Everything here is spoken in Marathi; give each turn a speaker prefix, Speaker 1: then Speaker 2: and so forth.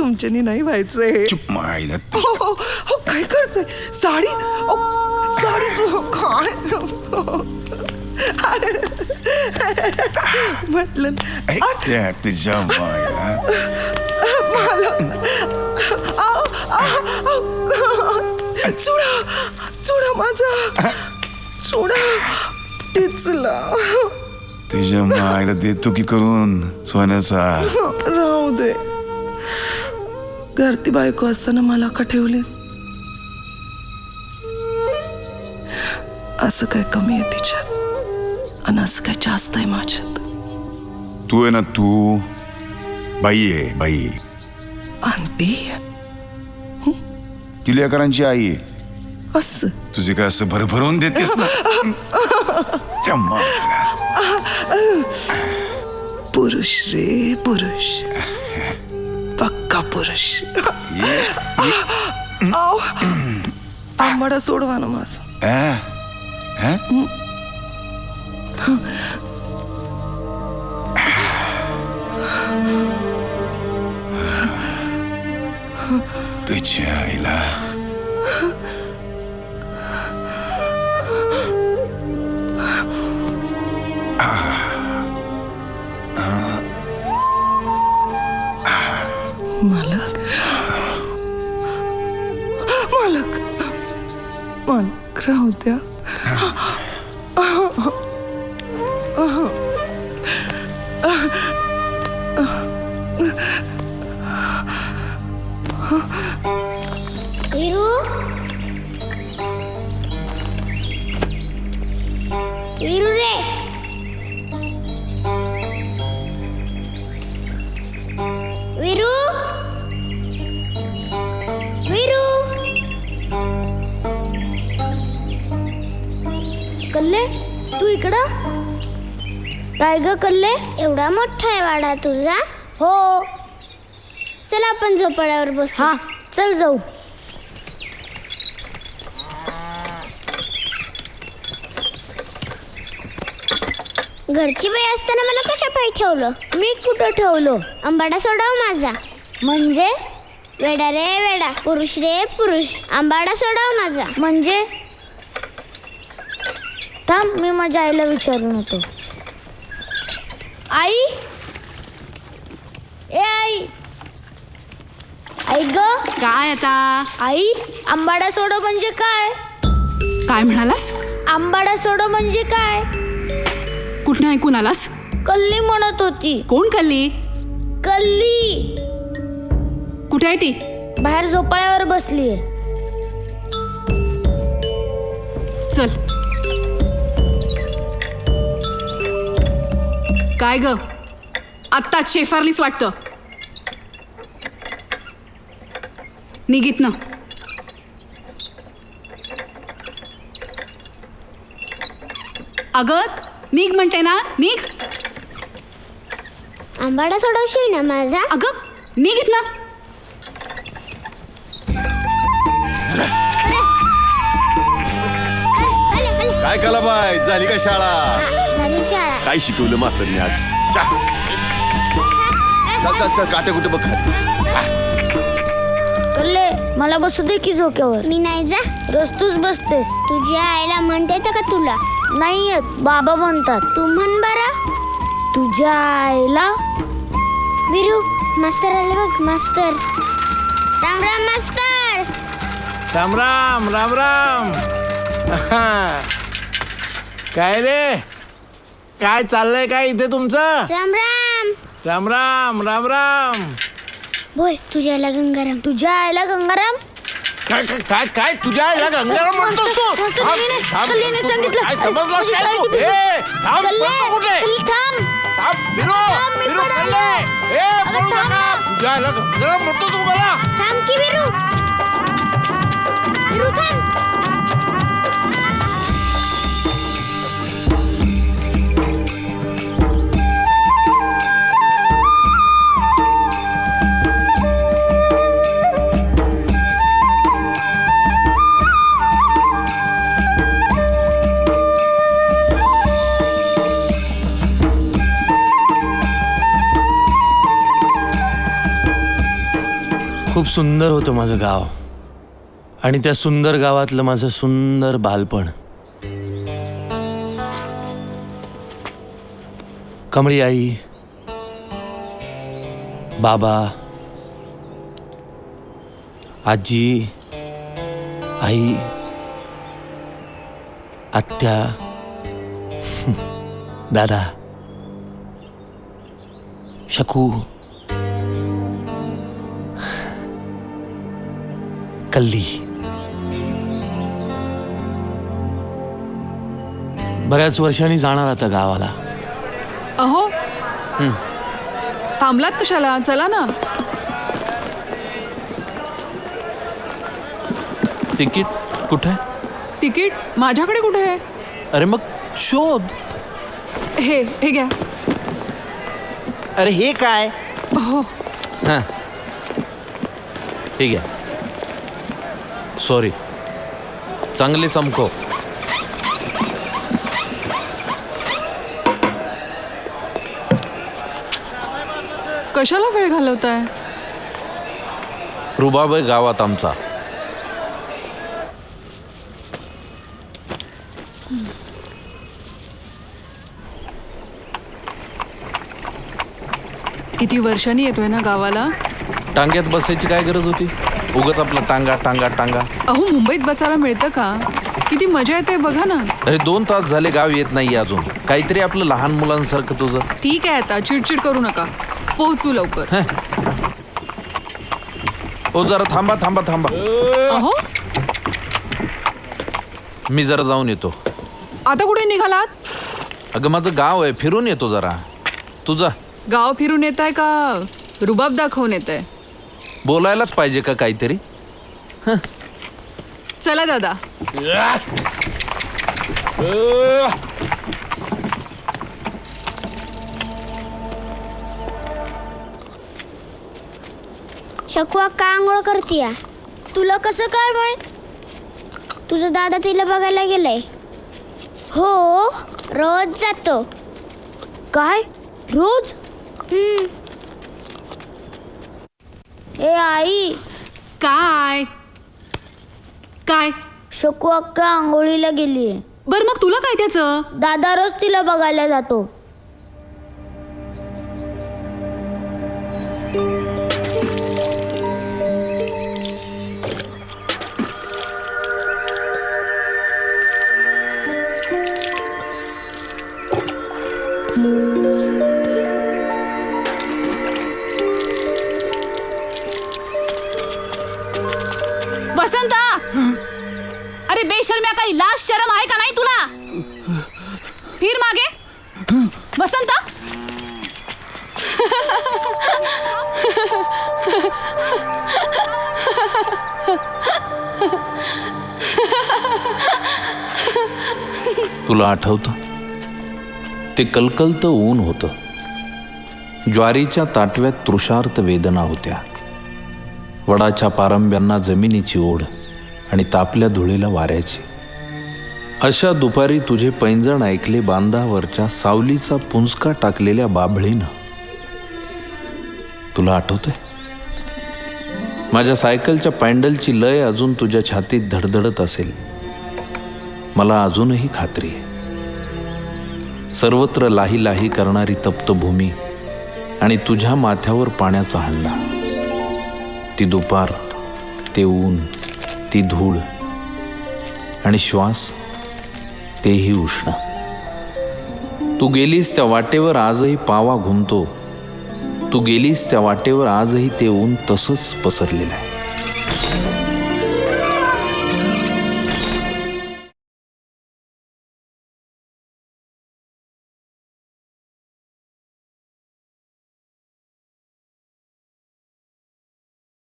Speaker 1: आमच्यानी नाही व्हायचंय.
Speaker 2: चुप मायला.
Speaker 1: काय करतोय? साडी साडी काय म्हटलं
Speaker 2: तुझ्या मायला.
Speaker 1: चुडा चुडा माझा चुडा टिचला.
Speaker 2: तुझ्या मायला देतो की करून सोन्याचा.
Speaker 1: राहू दे. घरती बायको असताना मला का ठेवली? असं काय कमी आहे तिच्यात आणि असं काय जास्त आहे माझ्यात?
Speaker 2: तू आहे ना, तू बाई आहे बाई.
Speaker 1: आणि ती
Speaker 2: ती लेकरांची आई आहे.
Speaker 1: असं
Speaker 2: तुझे काय असं भरभरून देतेस ना. त्या मायला.
Speaker 1: पुरुष रे पुरुष, पक्का पुरुष. आंबाडा सोडवा ना माझा.
Speaker 2: तुझ्या आईला.
Speaker 1: मालक मालक मालक राहू द्या.
Speaker 3: वीरू वीरू रे, वीरू वीरू.
Speaker 4: कल्ले, तू इकडं काय ग? कल्ले,
Speaker 3: एवढा मोठा आहे वाडा तुझा?
Speaker 4: हो.
Speaker 3: चल आपण झोपाळ्यावर बसू.
Speaker 4: हा चल जाऊ.
Speaker 3: घरची बाई असताना मला कशा पायी ठेवलं?
Speaker 4: मी कुठं ठेवलो?
Speaker 3: आंबाडा सोडव माझा.
Speaker 4: म्हणजे?
Speaker 3: वेडा रे वेडा, पुरुष रे पुरुष, आंबाडा सोडव माझा.
Speaker 4: म्हणजे? थांब, मी माझ्या आईला विचारून होतो. आई, ए आई, आई ग.
Speaker 5: काय आता?
Speaker 4: आई, आंबाडा सोडव म्हणजे काय?
Speaker 5: काय म्हणालास?
Speaker 4: आंबाडा सोडव म्हणजे काय?
Speaker 5: कुठनं ऐकून आलास?
Speaker 4: कल्ली म्हणत होती.
Speaker 5: कोण कल्ली?
Speaker 4: कल्ली
Speaker 5: कुठे आहे ती?
Speaker 4: बाहेर झोपाळ्यावर बसलीये.
Speaker 5: चल. काय ग, आत्ताच शेफारलीस वाटतं. निघित ना. अगं निघ म्हणते ना, निघ.
Speaker 3: आंबाडा सोडवशील ना माझा?
Speaker 5: अगं निघित ना.
Speaker 6: काय कला बाय, झाली का शाळा?
Speaker 3: झाली शाळा.
Speaker 6: काय शिकवलं मास्तरने आज? चल चल चल, काटे कुठे बघ.
Speaker 4: कल्ले, मला बसू दे की झोक्यावर.
Speaker 3: मी नाही जा.
Speaker 4: रोज तूच बसतेस.
Speaker 3: तुझ्या आईला म्हणता येतं का तुला?
Speaker 4: नाही येत, बाबा म्हणतात.
Speaker 3: तू म्हण बरं.
Speaker 4: तुझ्या आईला.
Speaker 3: वीरू, मास्तर आले बघ, मास्तर. राम राम मास्तर.
Speaker 7: राम राम राम राम. काय रे, काय चाललंय काय इथे तुमचं?
Speaker 3: राम राम.
Speaker 7: राम राम राम राम.
Speaker 3: बोल, तुझ्या आईला गंगाराम.
Speaker 4: तुझ्या आईला गंगाराम.
Speaker 7: काय काय काय काय तुझ्या आईला गंगाराम म्हणतोस तू?
Speaker 4: कल्लीने सांगितलं.
Speaker 7: काय समजलास
Speaker 4: तुझी
Speaker 7: काय
Speaker 4: साडी
Speaker 7: तू?
Speaker 4: ती
Speaker 7: ए, थांब,
Speaker 4: कल्ले,
Speaker 7: पळतो कुठे?
Speaker 4: कल्ले, थांब.
Speaker 7: थांब, वीरू,
Speaker 4: थांब, मी
Speaker 7: वीरू,
Speaker 4: पण
Speaker 7: कल्ले.
Speaker 4: आलो.
Speaker 7: ए,
Speaker 4: अगं,
Speaker 7: पळू
Speaker 4: थांब
Speaker 7: नका.
Speaker 4: ना.
Speaker 7: तुझ्या आईला गंगाराम म्हणतो तू मला?
Speaker 3: थांब की वीरू. वीरू थांब.
Speaker 7: सुंदर होतं माझं गाव आणि त्या सुंदर गावातलं माझं सुंदर बालपण. कमळी आई, बाबा, आजी, आई, आत्या, दादा, शकू, कल्ली. बऱ्याच वर्षांनी जाणार आता गावाला.
Speaker 5: अहो थांबलात कशाला? चला ना.
Speaker 7: तिकीट कुठे?
Speaker 5: तिकीट माझ्याकडे कुठे आहे?
Speaker 7: अरे मग शोध.
Speaker 5: हे घ्या.
Speaker 7: अरे हे काय?
Speaker 5: हो
Speaker 7: हां ठीक आहे. सॉरी. चांगले चमको.
Speaker 5: कशाला वेळ घालवताय?
Speaker 7: रुबाब आहे गावात आमचा.
Speaker 5: किती वर्षांनी येतोय ना गावाला.
Speaker 7: टांग्यात बसायची काय गरज होती? उगाच आपला टांगा टांगा टांगा.
Speaker 5: अहो मुंबईत बसायला मिळतं का? किती मजा येते बघा ना.
Speaker 7: अरे 2 तास झाले गाव येत नाही अजून. काहीतरी आपलं लहान मुलांसारखं तुझं.
Speaker 5: ठीक आहे आता चिडचिड करू नका. पोहोचू लवकर.
Speaker 7: ओ जरा थांबा थांबा थांबा.
Speaker 5: अहो
Speaker 7: मी जरा जाऊन येतो.
Speaker 5: आता कुठे निघालात?
Speaker 7: अगं माझं गाव आहे, फिरून येतो जरा. तुझा
Speaker 5: गाव फिरून येत आहे का रुबाब दाखवून येत आहे?
Speaker 7: बोलायलाच पाहिजे का काहीतरी?
Speaker 5: चला दादा.
Speaker 3: शकू अक्का आंघोळ करतीया.
Speaker 4: तुला कसं काय माहित?
Speaker 3: तुझा दादा तिला बघायला गेलाय. हो रोज जातो.
Speaker 4: काय रोज? ए आई,
Speaker 5: काय काय?
Speaker 4: शकू अक्का आंघोळीला गेलीये.
Speaker 5: बर मग तुला काय त्याचं?
Speaker 4: दादा रोज तिला बघायला जातो.
Speaker 5: वसंता, अरे बेशर्म्या, काही लाज शरम आहे का नाही तुला? फिर मागे. वसंता
Speaker 7: तुला आठवतं ते कलकलतं ऊन होतं. ज्वारीच्या ताटव्यात तृषार्त वेदना होत्या. वडाच्या पारंब्यांना जमिनीची ओढ आणि तापल्या धुळीला वाऱ्याची. अशा दुपारी तुझे पैंजण ऐकले बांधावरच्या सावलीचा पुंजका टाकलेल्या बाभळीनं. तुला आठवतंय? माझ्या सायकलच्या पॅन्डलची लय अजून तुझ्या छातीत धडधडत असेल. मला अजूनही खात्री आहे. सर्वत्र लाही लाही करणारी तप्त भूमी आणि तुझ्या माथ्यावर पाण्याचा हंडा. ती दुपार, ते ऊन, ती धूळ आणि श्वास, तेही उष्ण. तू गेलीस त्या वाटेवर आजही पावा घुमतो. तू गेलीस त्या वाटेवर आजही ते ऊन तसंच पसरलेलं आहे.